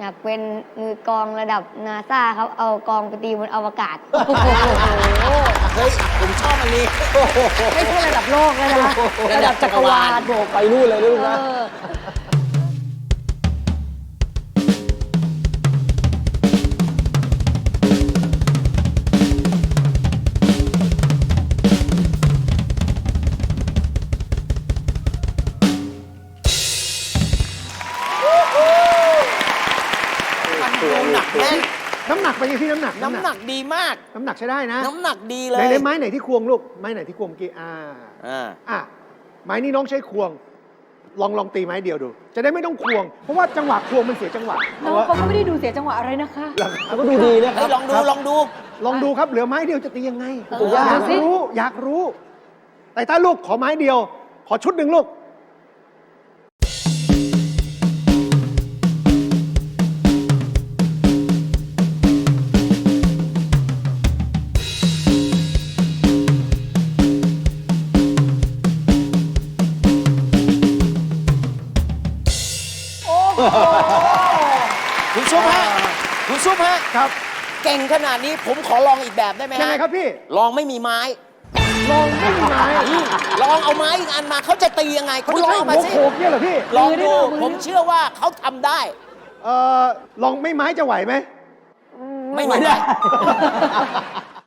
อยากเป็นมือกลองระดับนาซาครับ เอากลองไปตีบนอวกาศเฮ้ย ผมชอบอันนี้ไม่ใช่ระดับโลกแล้วนะระดับจักรวาลโอ้ไปนู่นเลยลูกนะหนักแน่นน้ำหนักเป็นยังพี่น้ำหนักน้ำหนักดีมากน้ำหนักใช้ได้นะน้ำหนักดีเลไหนยไหนไม้ไหนที่ควงลูกไม้ไหนที่ควงเมื่อกี้ไม้นี้น้องใช้ควง ลองตีไม้เดียวดู จะได้ไม่ต้องควง เพราะว่าจังหวะควงมันเสียจังหวะน้องเขาก็ไม่ได้ดูเสียจังหวะอะไรนะคะแล้วก็ดูดีนะคเฮ้รัยบลองดู ลองดูลองดูครับเหลือไม้เดียวจะตียังไงอยากรู้สิอยากรู้ แต่ถ้าลูกขอไม้เดียว ขอชุดหนึ่งลูกคุณซุปฮะ คุณซุปฮะครับเก่งขนาดนี้ผมขอลองอีกแบบได้ไหมยังฮะไงครับพี่ลองไม่มีไม้ลองไม่มีไม้ลองเอาไม้อีกอันมาเขาจะตียังไงเขาคุณจะลองใช้เอาหัมาว สิโขกเนี่ยเหรอพี่ลองดูมือผมเชื่อว่าเขาทำได้ลองไม่ไม้จะไหวไหมไม่ได้